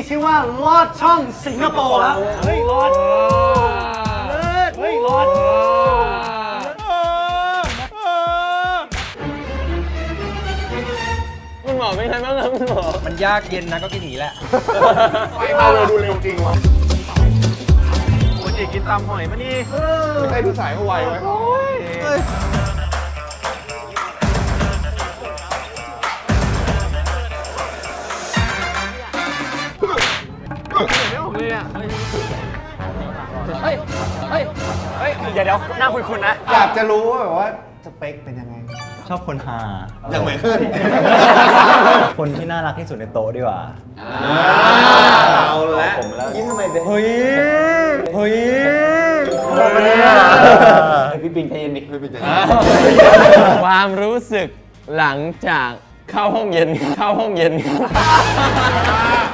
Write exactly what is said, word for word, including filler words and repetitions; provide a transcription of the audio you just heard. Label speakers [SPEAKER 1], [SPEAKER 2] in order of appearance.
[SPEAKER 1] ชื่อว่าลอดช่องสิงคโปร์ครับเฮ้ยลอดเลิศเฮ้ยลอด
[SPEAKER 2] คุณหมอเป็นไงบ้างครับคุณหมอมันยากเย็นนะก็กินหนีแหละ
[SPEAKER 3] ไปมาเราดูเร็วจริงวะ
[SPEAKER 2] โอ้ยกินตำหอยมานี่
[SPEAKER 3] ไม่ใช่พี่สายเขาไวไว้
[SPEAKER 2] เฮ้ยเฮ้ยเฮ้ยเดี๋ยวเดี๋ยวหน้าคุณๆนะ
[SPEAKER 3] อยากจะรู้ว่าแบบว่าสเปคเป็นยังไง
[SPEAKER 4] ชอบคนฮา
[SPEAKER 3] อย่างเหมือนขึ้น
[SPEAKER 4] คนที่น่ารักที่สุดในโต๊ะดีกว่า
[SPEAKER 3] เอาละ
[SPEAKER 4] ผมแล้ว
[SPEAKER 3] ยิ้มทำไมเป็น
[SPEAKER 4] เฮ้ยเฮ้ย
[SPEAKER 3] บอกมาเนี่ย
[SPEAKER 4] พี่ปิงใจเย็นดิ
[SPEAKER 3] พี่ปิงใจเย็น
[SPEAKER 2] ความรู้สึกหลังจากเข้าห้องเย็นเข้าห้องเย็น